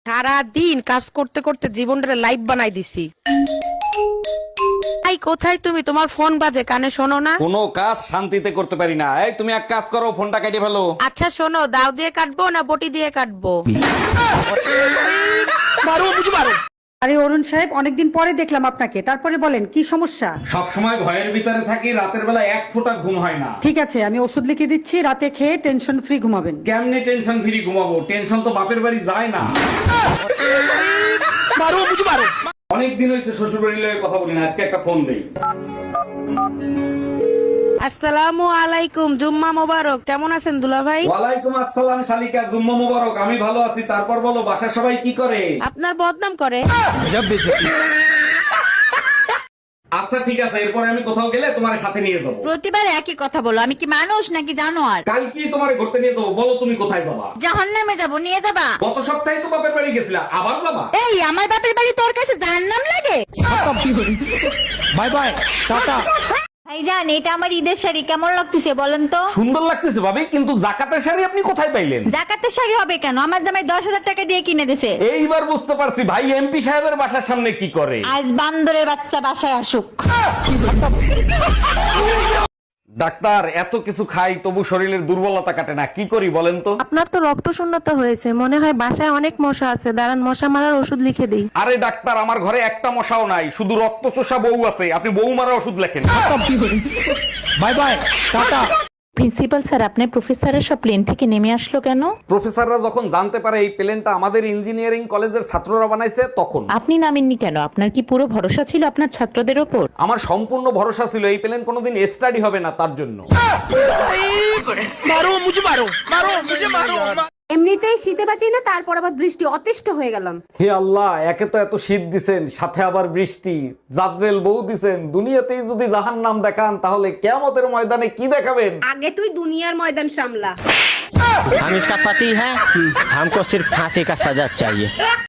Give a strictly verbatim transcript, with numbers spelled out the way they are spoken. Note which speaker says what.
Speaker 1: সারা দিন কাজ করতে করতে জীবনটা লাইফ বানাই দিছি। এই কোথায় তুমি? তোমার ফোন বাজে, কানে শোনো না?
Speaker 2: কোনো কাজ শান্তিতে করতে পারি না। এই তুমি এক কাজ করো, ফোনটা কেটে ফেলো।
Speaker 1: আচ্ছা শোনো, দাও দিয়ে কাটবো না বটি দিয়ে কাটবো?
Speaker 3: আরে অরুণ সাহেব, অনেকদিন পরে দেখলাম আপনাকে, তারপরে বলেন কি সমস্যা?
Speaker 2: সব সময় ভয়ের ভিতরে থাকি, রাতের বেলা এক ফোঁটা ঘুম হয় না।
Speaker 3: ঠিক আছে, আমি ওষুধ লিখে দিচ্ছি, রাতে খেয়ে টেনশন ফ্রি ঘুমাবেন।
Speaker 2: কেমনে টেনশন ফ্রি ঘুমাবো? টেনশন তো বাপের বাড়ি যায় না। অনেকদিন হয়েছে শ্বশুর বাড়ির লগে কথা বলি না, আজকে একটা ফোন দেই।
Speaker 1: আসসালামু আলাইকুম, জুম্মা মোবারক। কেমন আছেন দুলা ভাই?
Speaker 2: ওয়ালাইকুম আসসালাম শালিকা, জুম্মা মোবারক। আমি ভালো আছি, তারপর বলো বাসার সবাই কি করে?
Speaker 1: আপনার বদনাম করে।
Speaker 2: আচ্ছা ঠিক আছে, এরপরে আমি কোথাও গেলে তোমার সাথে নিয়ে যাবো।
Speaker 4: প্রতিবার একই কথা বলো, আমি কি মানুষ নাকি জানোয়ার?
Speaker 2: কাল কি তোমার ঘুরতে নিয়ে যাবো? বলো তুমি কোথায় যাবা?
Speaker 4: জাহান্নামে যাবো, নিয়ে যাবা?
Speaker 2: গত সপ্তাহে তো বাপের বাড়ি গেছিলা, আবার যাবা?
Speaker 4: এই আমার বাপের বাড়ি তোর কাছে জাহান্নাম লাগে?
Speaker 2: বাই বাই, টাটা।
Speaker 5: ভাইজান, এটা আমার ঈদের শাড়ি, কেমন লাগতেছে বলেন তো?
Speaker 2: সুন্দর লাগতেছে ভাবি, কিন্তু জাকাতের শাড়ি আপনি কোথায় পাইলেন?
Speaker 5: জাকাতের শাড়ি হবে কেন? আমার জামাই দশ হাজার টাকা দিয়ে কিনে দিছে।
Speaker 2: এইবার বুঝতে পারছি ভাই এমপি সাহেবের বাসার সামনে কি করে।
Speaker 5: আজ বান্দরের বাচ্চা বাসায় আসুক।
Speaker 2: ডাক্তার, এত কিছু খাই তবু শরীরের দুর্বলতা কাটে না, কি করি বলেন তো?
Speaker 6: আপনার তো রক্ত শূন্যতা হয়েছে, মনে হয় বাসায় অনেক মশা আছে, দাঁড়ান মশা মারার ওষুধ লিখে দিই।
Speaker 2: আরে ডাক্তার, আমার ঘরে একটা মশাও নাই, শুধু রক্ত চোষা বউ আছে, আপনি বউ মারা ওষুধ লেখেন। বাই বাই, টাটা।
Speaker 7: প্রিন্সিপাল স্যার, আপনার প্রফেসরের সব প্লেন থেকে নেমে আসলো কেন?
Speaker 2: প্রফেসররা যখন জানতে পারে এই প্লেনটা আমাদের ইঞ্জিনিয়ারিং কলেজের ছাত্ররা বানাইছে, তখন
Speaker 7: আপনি নামেননি কেন? আপনার কি পুরো ভরসা ছিল আপনার ছাত্রদের ওপর?
Speaker 2: আমার সম্পূর্ণ ভরসা ছিল এই প্লেন কোনোদিন স্টাডি হবে না, তার জন্য।
Speaker 8: এমনিতেই শীতে বাঁচি না, তারপর আবার বৃষ্টি, অতিষ্ঠ হয়ে গেলাম।
Speaker 2: হে আল্লাহ, একে তো এত শীত দিছেন, সাথে আবার বৃষ্টি, জাদ্রেল বউ দিছেন। দুনিয়াতেই যদি জাহান্নাম দেখান, তাহলে কিয়ামতের ময়দানে কি দেখাবেন?
Speaker 8: আগে তুই দুনিয়ার ময়দান সামলা।
Speaker 9: हम इसका पति है, हमको सिर्फ फांसी का सजा चाहिए।